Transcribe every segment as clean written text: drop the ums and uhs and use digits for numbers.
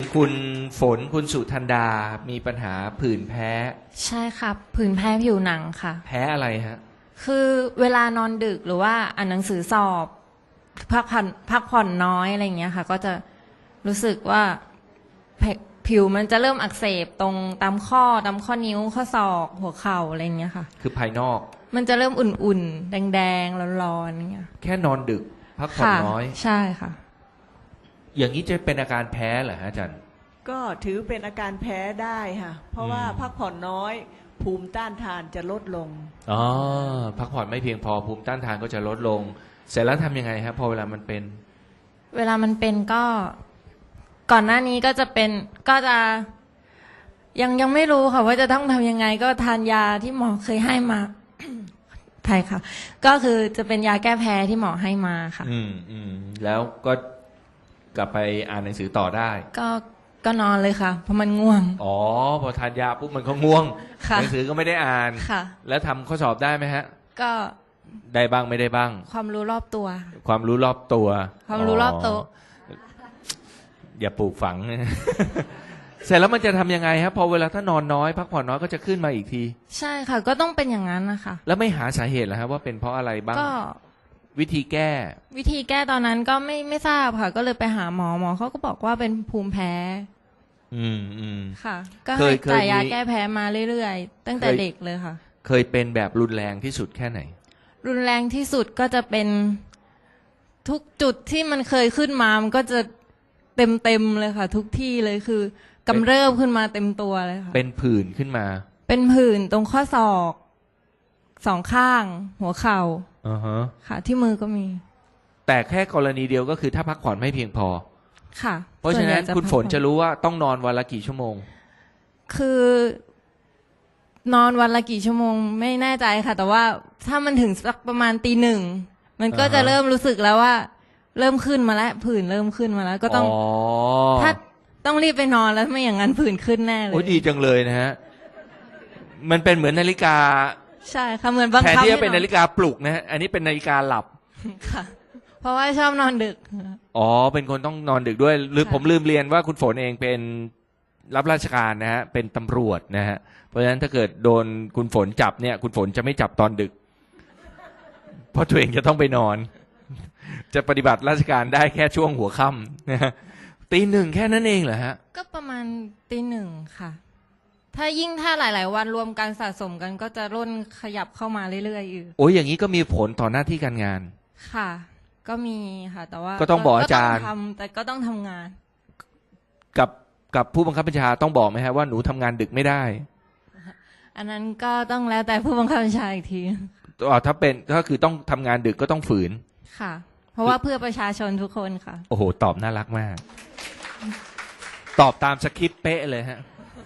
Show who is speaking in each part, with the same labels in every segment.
Speaker 1: คุณฝนคุณสุธันดามีปัญหาผื่นแพ้
Speaker 2: ใช่ค่ะผื่นแพ้ผิวหนังค่ะ
Speaker 1: แพ้อะไรฮะ
Speaker 2: คือเวลานอนดึกหรือว่าอ่านหนังสือสอบพักผ่อนน้อยอะไรอย่างเงี้ยค่ะ ก็จะรู้สึกว่าผิวมันจะเริ่มอักเสบตรงตามข้อนิ้วข้อศอกหัวเข่าอะไรอย่างเงี้ยค่ะ
Speaker 1: คือภายนอก
Speaker 2: มันจะเริ่มอุ่นๆแดงๆร้อนๆอย่างเงี้ย
Speaker 1: แค่นอนดึก พักผ่อน
Speaker 2: ค่ะ
Speaker 1: น้อย
Speaker 2: ใช่ค่ะ
Speaker 1: อย่างนี้จะเป็นอาการแพ้เหรอฮะอาจารย์
Speaker 3: ก็ถือเป็นอาการแพ้ได้ค่ะ เพราะว่าพักผ่อนน้อย ภูมิต้านทานจะลดลง
Speaker 1: อ๋อพักผ่อนไม่เพียงพอภูมิต้านทานก็จะลดลง เสร็จแล้วทำยังไงครับพอเวลามันเป็น
Speaker 2: เวลามันเป็นก็ก่อนหน้านี้ก็จะเป็นก็จะยังไม่รู้ค่ะว่าจะต้องทำยังไงก็ทานยาที่หมอเคยให้มา ใช่ค่ะ ก็คือจะเป็นยาแก้แพ้ที่หมอให้มาค่ะ
Speaker 1: แล้วก็กลับไปอ่านหนังสือต่อได้
Speaker 2: ก็นอนเลยค่ะ เพราะมันง่วง
Speaker 1: อ๋อพอทานยาปุ๊บมันก็ง่วง
Speaker 2: ค่ะ
Speaker 1: หนังสือก็ไม่ได้อ่าน
Speaker 2: ค่ะ
Speaker 1: แล้วทำข้อสอบได้ไหมฮะ
Speaker 2: ก็
Speaker 1: ได้บ้างไม่ได้บ้าง
Speaker 2: ความรู้รอบตัว
Speaker 1: ความรู้รอบตัว
Speaker 2: ความรู้รอบโต๊ะ
Speaker 1: อย่าปลูกฝัง เสร็จแล้วมันจะทำยังไงครับพอเวลาถ้านอนน้อยพักผ่อนน้อยก็จะขึ้นมาอีกที
Speaker 2: ใช่ค่ะ ก็ต้องเป็นอย่างนั้นนะคะ
Speaker 1: แล้วไม่หาสาเหตุเหรอครับว่าเป็นเพราะอะไรบ้าง
Speaker 2: ก็
Speaker 1: วิธีแก้
Speaker 2: วิธีแก้ตอนนั้นก็ไม่ทราบค่ะ ก็เลยไปหาหมอเขาก็บอกว่าเป็นภูมิแพ้
Speaker 1: อืม
Speaker 2: ค่ะ ก็
Speaker 1: เค
Speaker 2: ให้
Speaker 1: ย
Speaker 2: จ่ายยา
Speaker 1: มี
Speaker 2: แก้แพ้มาเรื่อยๆ ตั้งแต่
Speaker 1: เคย
Speaker 2: เด็กเลยค่ะ
Speaker 1: เคยเป็นแบบรุนแรงที่สุดแค่ไหน
Speaker 2: รุนแรงที่สุดก็จะเป็นทุกจุดที่มันเคยขึ้นมามันก็จะเต็มเลยค่ะ ทุกที่เลยคือกำเริบขึ้นมาเต็มตัวเลยค่ะ
Speaker 1: เป็นผื่นขึ้นมา
Speaker 2: เป็นผื่นตรงข้อศอกสองข้าง หัวเข่า
Speaker 1: อ่าฮะ
Speaker 2: ค่ะ ที่มือก็มี
Speaker 1: แต่แค่กรณีเดียวก็คือถ้าพักผ่อนไม่เพียงพอ
Speaker 2: ค่ะ
Speaker 1: เพราะฉะนั้น
Speaker 2: ส่วใหญ่
Speaker 1: คุณฝน
Speaker 2: พักผ่อ
Speaker 1: จะรู้ว่าต้องนอนวันละกี่ชั่วโมง
Speaker 2: คือนอนวันละกี่ชั่วโมงไม่แน่ใจค่ะ แต่ว่าถ้ามันถึงสักประมาณตีหนึ่งมันก็
Speaker 1: อ่าฮะ
Speaker 2: จะเริ่มรู้สึกแล้วว่า เริ่มขึ้นมาแล้วผื่นเริ่มขึ้นมาแล้ว ก็ต้อง ถ้าต้องรีบไปนอนแล้วไม่อย่างนั้นผื่นขึ้นแน่เล
Speaker 1: โอ้ย
Speaker 2: ย
Speaker 1: ดีจังเลยนะฮะ มันเป็นเหมือนนาฬิกา
Speaker 2: ใช่ค่ะเหมือนบัง
Speaker 1: แทน
Speaker 2: คับ
Speaker 1: ที่จะเป็น
Speaker 2: ให้
Speaker 1: นาฬิกาปลุกนะฮะ อันนี้เป็นนาฬิกาหลับ
Speaker 2: ค่ะ เพราะว่าชอบนอนดึก
Speaker 1: อ๋อ เป็นคนต้องนอนดึกด้วยหรือ
Speaker 2: ค่ะ
Speaker 1: ผมลืมเรียนว่าคุณฝนเองเป็นรับราชการนะฮะ เป็นตำรวจนะฮะ เพราะฉะนั้นถ้าเกิดโดนคุณฝนจับเนี่ย คุณฝนจะไม่จับตอนดึก เพราะตัวเองจะต้องไปนอน จะปฏิบัติราชการได้แค่ช่วงหัวค่ำนะฮะตีหนึ่งแค่นั้นเองเหรอฮะ
Speaker 2: ก็ประมาณตีหนึ่งค่ะ ถ้าหลาย ๆ วันรวมกันสะสมกันก็จะร่นขยับเข้ามาเรื่อยๆอยู่
Speaker 1: โอ้ยอย่างนี้ก็มีผลต่อหน้าที่การงาน
Speaker 2: ค่ะ ก็มีค่ะ แต่ว่า
Speaker 1: ก็ต้องบอกอาจารย์
Speaker 2: ก็ต้องทำแต่ก็ต้องทำงาน
Speaker 1: กับผู้บังคับบัญชาต้องบอกไหมฮะว่าหนูทำงานดึกไม่ได้
Speaker 2: อันนั้นก็ต้องแล้วแต่ผู้บังคับบัญชาอีกที
Speaker 1: ถ้าเป็นก็คือต้องทำงานดึกก็ต้องฝืน
Speaker 2: ค่ะ เพราะว่าเพื่อประชาชนทุกคนค่ะ
Speaker 1: โอ้โห ตอบน่ารักมาก ตอบตามสคริปต์เป๊ะเลยฮะ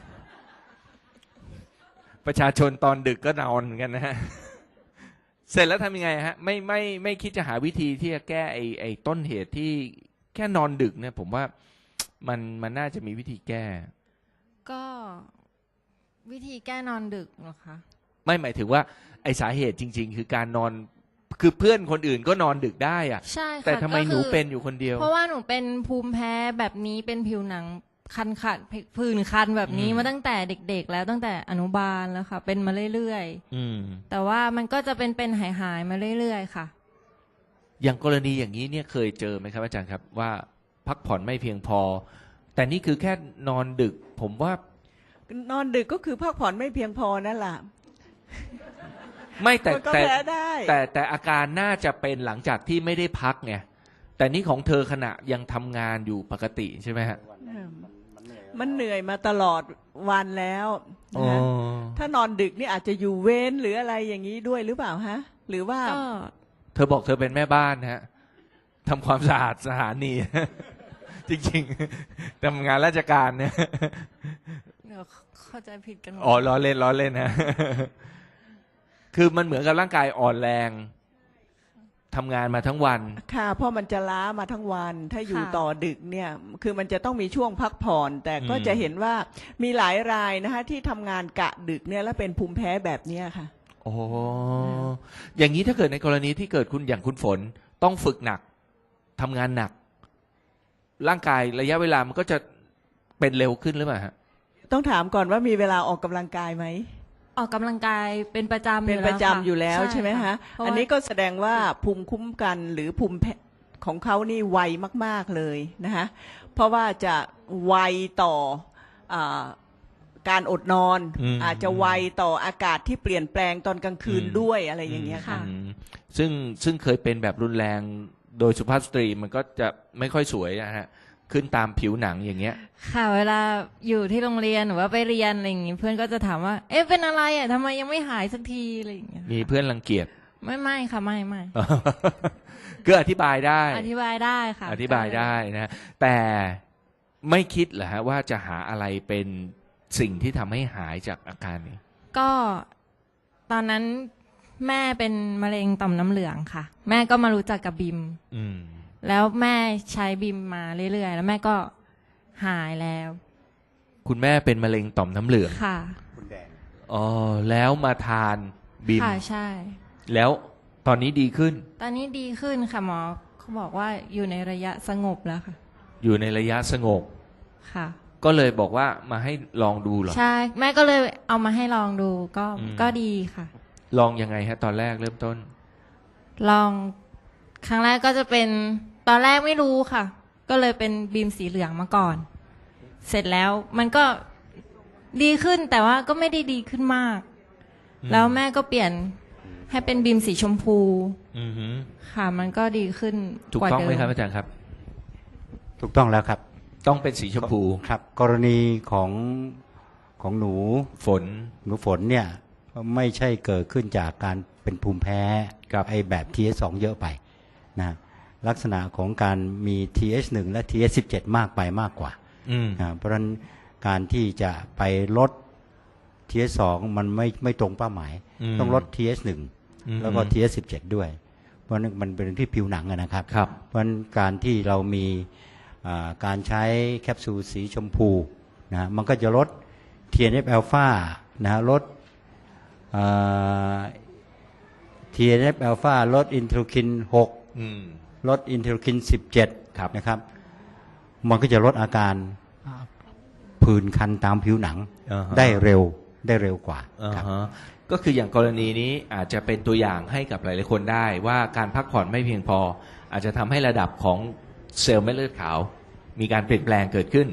Speaker 1: ประชาชนตอนดึกก็นอนเหมือนกันนะฮะ เสร็จแล้วทำยังไงฮะ ไม่คิดจะหาวิธีที่จะแก้ไอ้ต้นเหตุที่แค่นอนดึกเนี่ย ผมว่ามันน่าจะมีวิธีแก้
Speaker 2: ก็วิธีแก้นอนดึกเหรอคะ
Speaker 1: ไม่หมายถึงว่าไอ้สาเหตุจริง ๆ คือการนอน คือเพื่อนคนอื่นก็นอนดึกได้อะ
Speaker 2: ใช่ค่ะ
Speaker 1: แต่ทำไม
Speaker 2: ก็
Speaker 1: ห
Speaker 2: คื
Speaker 1: นู
Speaker 2: อ
Speaker 1: เป็นอยู่คนเดียว
Speaker 2: เพราะว่าหนูเป็นภูมิแพ้แบบนี้เป็นผิวหนังคันผื่นคันแบบนี้
Speaker 1: อืม
Speaker 2: มาตั้งแต่เด็ก ๆ แล้วตั้งแต่อนุบาลแล้วค่ะ เป็นมาเรื่อย
Speaker 1: อืม
Speaker 2: ๆแต่ว่ามันก็จะเป็นหายมาเรื่อยๆค่ะ
Speaker 1: อย่างกรณีอย่างนี้เนี่ยเคยเจอไหมครับอาจารย์ครับว่าพักผ่อนไม่เพียงพอ แต่นี่คือแค่นอนดึก ผมว่าน
Speaker 3: อนดึกก็คือพักผ่อนไม่เพียงพอนั่นแหละ
Speaker 1: ไม่แต่
Speaker 3: มันก็
Speaker 1: แต่
Speaker 3: แพ้ได้
Speaker 1: แต่อาการน่าจะเป็นหลังจากที่ไม่ได้พักไงแต่นี่ของเธอขณะยังทำงานอยู่ปกติใช่ไหมฮะ
Speaker 3: มันเหนื่อยมาตลอดวันแล้ว
Speaker 1: อ๋อ
Speaker 3: นะฮะถ้านอนดึกนี่อาจจะอยู่เว้นหรืออะไรอย่างนี้ด้วยหรือเปล่าฮะ หรือว่า
Speaker 2: ก็
Speaker 1: เธอบอกเธอเป็นแม่บ้านฮะทำความสะอาดสถานี จริงๆทำงานราชการเนี่ย
Speaker 2: เดี๋ยวเข้าใจผิดกันหมด
Speaker 1: อ๋อล้อเล่นนะ คือมันเหมือนกับร่างกายอ่อนแรงทำงานมาทั้งวัน
Speaker 3: ค่ะเพราะมันจะล้ามาทั้งวัน ถ้าอยู่ต่อดึกเนี่ย คือมันจะต้องมีช่วงพักผ่อน แต่ก็
Speaker 1: อืม
Speaker 3: จะเห็นว่ามีหลายรายนะคะที่ทำงานกะดึกเนี่ยแล้วเป็นภูมิแพ้แบบเนี้ยค่ะ
Speaker 1: โอ้อย่างนี้ถ้าเกิดในกรณีที่เกิดคุณอย่างคุณฝนต้องฝึกหนักทำงานหนัก ร่างกายระยะเวลามันก็จะไปเป็นเร็วขึ้นหรือเปล่าฮะ
Speaker 3: ต้องถามก่อนว่ามีเวลาออกกำลังกายไหม
Speaker 2: ออกกำลังกายเป็นประจำ
Speaker 3: เป็นประจำอยู่แล้วใช่ไหมฮะ
Speaker 2: เพราว่า
Speaker 3: อันนี้ก็แสดงว่าภูมิคุ้มกันหรือภูมิของเขานี่ไวมากๆเลยนะคะเพราะว่าจะไวต่ออาการอดนอน อาจจะไวต่ออากาศที่เปลี่ยนแปลงตอนกลางคืนด้วยอะไรอย่างเงี้ยค่ะ
Speaker 1: อืมซึ่งเคยเป็นแบบรุนแรงโดยสุภาพสตรีมันก็จะไม่ค่อยสวยนะฮะขึ้นตามผิวหนังอย่างเงี้ย
Speaker 2: ค่ะเวลาอยู่ที่โรงเรียนหรือว่าไปเรียนอะไรอย่างงี้เพื่อนก็จะถามว่า เอ๊ะเป็นอะไรอ่ะทำไมยังไม่หายสักทีอะไรอย่างเงี้ย
Speaker 1: มีเพื่อนรังเกียจ
Speaker 2: ไม่ค่ะไม่
Speaker 1: ก็อธิบายได้
Speaker 2: อธิบายได้ค่ะ
Speaker 1: อธิบายได้นะแต่ไม่คิดเหรอฮะว่าจะหาอะไรเป็นสิ่งที่ทำให้หายจากอาการนี้
Speaker 2: ก็ตอนนั้นแม่เป็นมะเร็งต่อมน้ำเหลืองค่ะ แม่ก็มารู้จักกับบิม
Speaker 1: อืม
Speaker 2: แล้วแม่ใช้บิมมาเรื่อยๆแล้วแม่ก็หายแล้ว
Speaker 1: คุณแม่เป็นมะเร็งต่อมน้ำเหลือง
Speaker 2: ค่ะ
Speaker 1: อ๋อแล้วมาทานบิม
Speaker 2: ค่ะใช่
Speaker 1: แล้วตอนนี้ดีขึ้น
Speaker 2: ตอนนี้ดีขึ้นค่ะหมอเขาบอกว่าอยู่ในระยะสงบแล้วค่ะ
Speaker 1: อยู่ในระยะสงบ
Speaker 2: ค่ะ
Speaker 1: ก็เลยบอกว่ามาให้ลองดูเหรอ
Speaker 2: ใช่แม่ก็เลยเอามาให้ลองดูก็
Speaker 1: อืม
Speaker 2: ก็ดีค่ะ
Speaker 1: ลองยังไงฮะ ตอนแรกเริ่มต้น
Speaker 2: ลองครั้งแรกก็จะเป็นตอนแรกไม่รู้ค่ะ ก็เลยเป็นบีมสีเหลืองมาก่อน เสร็จแล้วมันก็ดีขึ้นแต่ว่าก็ไม่ได้ดีขึ้นมาก
Speaker 1: อืม
Speaker 2: แล้วแม่ก็เปลี่ยนให้เป็นบีมสีชมพู
Speaker 1: อือหือ
Speaker 2: ค่ะ มันก็ดีขึ้น
Speaker 1: ถูก
Speaker 2: กว่า
Speaker 1: ต้อง
Speaker 2: เดิ
Speaker 1: ไหม
Speaker 2: ม
Speaker 1: ครับอาจารย์ครับ
Speaker 4: ถูกต้องแล้วครับ
Speaker 1: ต้องเป็นสีชมพู
Speaker 4: ครับ กรณีของหนู
Speaker 1: ฝน
Speaker 4: ฝนเนี่ยไม่ใช่เกิดขึ้นจากการเป็นภูมิแพ้
Speaker 1: ครับ
Speaker 4: ไอแบบ TH2 เยอะไปนะลักษณะของการมี TH1 และ TH17 มากไปมากกว่า
Speaker 1: อืม
Speaker 4: เพราะฉะนั้นการที่จะไปลด TH2 มันไม่ตรงเป้าหมาย ต้องลด TH1 แล้วก็ TH17 ด้วย เพราะนั้นมันเป็นที่ผิวหนังอะนะครับ
Speaker 1: ครับ
Speaker 4: เพราะฉะนั้นการที่เรามีการใช้แคปซูลสีชมพูนะมันก็จะลด TNF อ l p h a นะลดTNF อ l p h a ลดอินเทอร์คิน
Speaker 1: อืม
Speaker 4: 6 ลดอินเทอร์คิน
Speaker 1: ครับ
Speaker 4: 17นะครับมันก็จะลดอาการผื่นคันตามผิวหนัง
Speaker 1: อ่าฮะ
Speaker 4: ได้เร็วกว่า
Speaker 1: อ่า
Speaker 4: ครับ
Speaker 1: ฮะก็คืออย่างกรณีนี้อาจจะเป็นตัวอย่างให้กับหลายๆคนได้ว่าการพักผ่อนไม่เพียงพอ อาจจะทำให้ระดับของเซลล์เม็ดเลือดขาว มีการเปลี่ยนแปลงเกิดขึ้น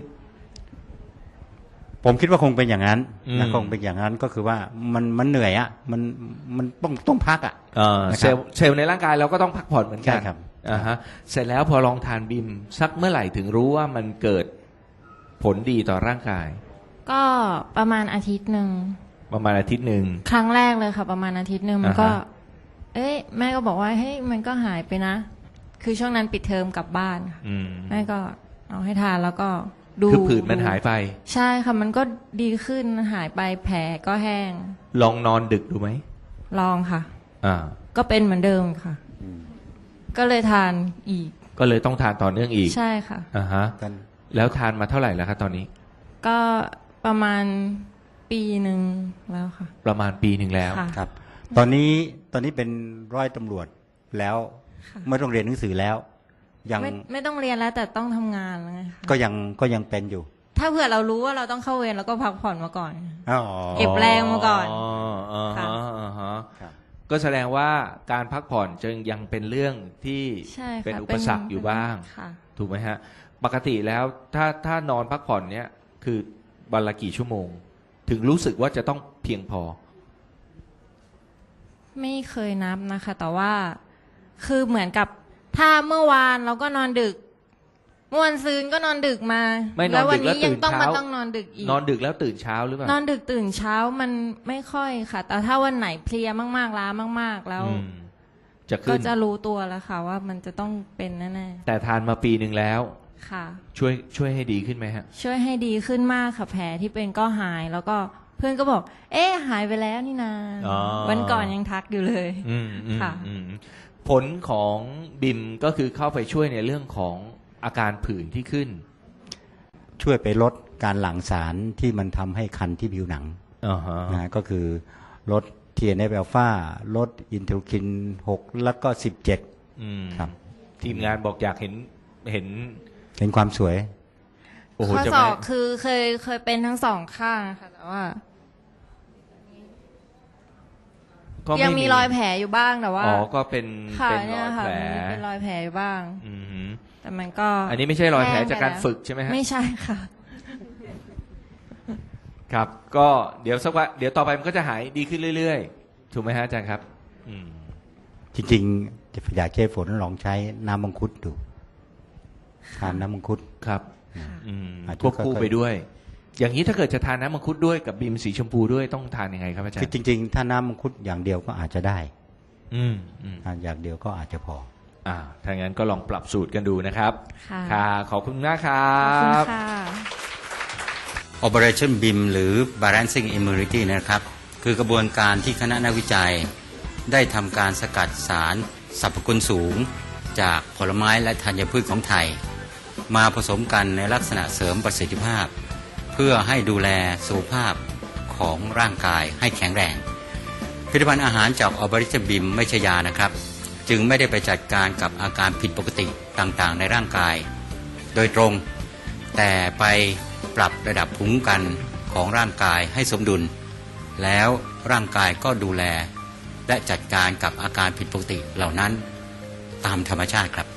Speaker 4: ผมคิดว่าคงเป็นอย่างนั้น
Speaker 1: อืม
Speaker 4: นะคงเป็นอย่างนั้นก็คือว่ามันเหนื่อยอ่ะมันต้องพักอ่ะ นะครับ
Speaker 1: เซลล์ในร่างกายเราก็ต้องพักผ่อนเหมือนกัน
Speaker 4: ใช่ครับ
Speaker 1: อ่าฮะเสร็จแล้วพอลองทานบิมสักเมื่อไหร่ถึงรู้ว่ามันเกิดผลดีต่อร่างกาย
Speaker 2: ก็ประมาณอาทิตย์หนึ่ง
Speaker 1: ประมาณอาทิตย์หนึ่ง
Speaker 2: ครั้งแรกเลยค่ะ ประมาณอาทิตย์หนึ่งมันก็
Speaker 1: อ่าฮะ
Speaker 2: เอ้ยแม่ก็บอกว่าเฮ้ยมันก็หายไปนะ คือช่วงนั้นปิดเทอมกลับบ้านค่ะ
Speaker 1: อืม
Speaker 2: แม่ก็เอาให้ทานแล้วก็ดู
Speaker 1: คือผื่นมันหายไป
Speaker 2: ใช่ค่ะ มันก็ดีขึ้นหายไปแผลก็แห้ง
Speaker 1: ลองนอนดึกดูไหม
Speaker 2: ลองค่ะ
Speaker 1: อ่า
Speaker 2: ก็เป็นเหมือนเดิมค่ะ ก็เลยทานอีก
Speaker 1: ก็เลยต้องทานต่อเนื่องอีก
Speaker 2: ใช่ค่ะ
Speaker 1: อ่าฮะ
Speaker 4: กัน
Speaker 1: แล้วทานมาเท่าไหร่แล้วครับตอนนี้
Speaker 2: ก็ประมาณปีหนึ่งแล้วค่ะ
Speaker 1: ประมาณปีหนึ่งแล้ว
Speaker 2: ค่ะ
Speaker 4: ครับ ตอนนี้เป็นร้อยตำรวจแล้ว
Speaker 2: ค่ะ
Speaker 4: ไม่ต้องเรียนหนังสือแล้ว ยัง
Speaker 2: ไม่ต้องเรียนแล้วแต่ต้องทำงานแล้วไงคะ
Speaker 4: ก็ยังเป็นอยู่
Speaker 2: ถ้าเผื่อเรารู้ว่าเราต้องเข้าเวรเราก็พักผ่อนมาก่อน
Speaker 4: อ๋อ
Speaker 2: เก็บแรงมาก่อน
Speaker 1: อ่า
Speaker 2: ค่ะ
Speaker 1: ฮะอ่าฮะ
Speaker 4: ครับ
Speaker 1: ก็แสดงว่าการพักผ่อนจึงยังเป็นเรื่องที่
Speaker 2: ใช่ค่ะ
Speaker 1: เป็นอุปสรรคอยู่บ้าง
Speaker 2: ค่ะ
Speaker 1: ถูกไหมฮะ ปกติแล้วถ้านอนพักผ่อนเนี่ยคือวันละกี่ชั่วโมง ถึงรู้สึกว่าจะต้องเพียงพอ
Speaker 2: ไม่เคยนับนะคะ แต่ว่าคือเหมือนกับถ้าเมื่อวานเราก็นอนดึกเมื่อวันซืนก็นอนดึกมา
Speaker 1: ไม่นอน
Speaker 2: แล้ววั
Speaker 1: ดึกแล้ว
Speaker 2: นี้ยังต้อง
Speaker 1: ตื่น
Speaker 2: มา
Speaker 1: เช้า
Speaker 2: ต้องนอนดึกอีก
Speaker 1: นอนดึกแล้วตื่นเช้าหรือเปล่าน
Speaker 2: อนดึกตื่นเช้ามันไม่ค่อยค่ะ แต่ถ้าวันไหนเพลียมากๆล้ามาก ๆ แล้ว
Speaker 1: อืมจะ
Speaker 2: ก็
Speaker 1: ขึ้น
Speaker 2: จะรู้ตัวแล้วค่ะ ว่ามันจะต้องเป็นแน่
Speaker 1: แต่ทานมาปีหนึ่งแล้ว
Speaker 2: ๆค่ะ
Speaker 1: ช่วยให้ดีขึ้นไหมฮะ
Speaker 2: ช่วยให้ดีขึ้นมากค่ะแผลที่เป็นก็หาย แล้วก็เพื่อนก็บอก เอ๊ะหายไปแล้วนี่นา
Speaker 1: อ๋อ
Speaker 2: วันก่อนยังทักอยู่เลย
Speaker 1: อืมอืม
Speaker 2: ค่ะ
Speaker 1: อืมผลของบิมก็คือเข้าไปช่วยในเรื่องของอาการผื่นที่ขึ้น
Speaker 4: ช่วยไปลดการหลั่งสารที่มันทำให้คันที่ผิวหนัง
Speaker 1: อ่าฮะ
Speaker 4: นะก็คือลด TNF อ l p h a ลดอินเทอร์คิน 6 แล้วก็ 17
Speaker 1: อืม
Speaker 4: ครับ
Speaker 1: ทีมงานบอกอยากเห็น
Speaker 4: เห็นความสวย
Speaker 1: โอ้โห
Speaker 2: ข้อ
Speaker 1: จะ
Speaker 2: ศ
Speaker 1: ไม่
Speaker 2: อกคือเคยเป็นทั้งสองข้างค่ะแต่ว่า
Speaker 1: ก็ไ
Speaker 2: ยังมีรอยแผลอยู่บ้างแต่ว่า
Speaker 1: อ๋อก็เป็น
Speaker 2: ค่ะ
Speaker 1: เป็นร
Speaker 2: เนี่ย
Speaker 1: อย
Speaker 2: ค่ะ
Speaker 1: แผล
Speaker 2: มันเป็นรอยแผลอยู่บ้าง
Speaker 1: อือหือ
Speaker 2: แต่มันก็
Speaker 1: อันนี้ไม่ใช่รอยแผล
Speaker 2: ห้งไป
Speaker 1: จากการ
Speaker 2: ล้ว
Speaker 1: ฝึกใช่ไหมฮะ
Speaker 2: ไม่ใช่ค่ะ
Speaker 1: ครับ ก็เดี๋ยวสักวันเดี๋ยวต่อไปมันก็จะหายดีขึ้นเรื่อยๆ ถูกไหมฮะอาจารย์ครับ อืม
Speaker 4: จริงๆอยากให้ฝนลองใช้น้ำมังคุดดูทานน้ำมังคุด
Speaker 1: ครับ
Speaker 2: ค่ะ
Speaker 1: อืม
Speaker 4: อาจจะ
Speaker 1: ควบคู่
Speaker 4: ค่อยๆ
Speaker 1: ไปด้วย อย่างนี้ถ้าเกิดจะทานน้ำมังคุดด้วยกับบีมสีชมพูด้วยต้องทานยังไงครับอาจาร
Speaker 4: คือ
Speaker 1: ย์
Speaker 4: จริงๆ ถ้าน้ำมังคุดอย่างเดียวก็อาจจะได้
Speaker 1: อืมอืม
Speaker 4: อย่างเดียวก็อาจจะพอ
Speaker 1: ถ้างั้นก็ลองปรับสูตรกันดูนะครับ
Speaker 2: ค่ะ
Speaker 1: ขอบคุณมากครั
Speaker 2: ขอบคุณ
Speaker 1: บ
Speaker 2: ค่ะ
Speaker 5: Operation BIM หรือ Balancing Immunity นะครับ คือกระบวนการที่คณะนักวิจัย ได้ทำการสกัดสารสรรพคุณสูง จากผลไม้และธัญพืชของไทย มาผสมกันในลักษณะเสริมประสิทธิภาพ เพื่อให้ดูแลสุขภาพของร่างกายให้แข็งแรง ผลิตภัณฑ์อาหารจาก Operation BIM ไม่ใช่ยานะครับ จึงไม่ได้ไปจัดการกับอาการผิดปกติต่างๆ ในร่างกาย โดยตรง แต่ไปปรับระดับภูมิคุ้มกันของร่างกายให้สมดุล แล้วร่างกายก็ดูแล และจัดการกับอาการผิดปกติเหล่านั้นตามธรรมชาติครับ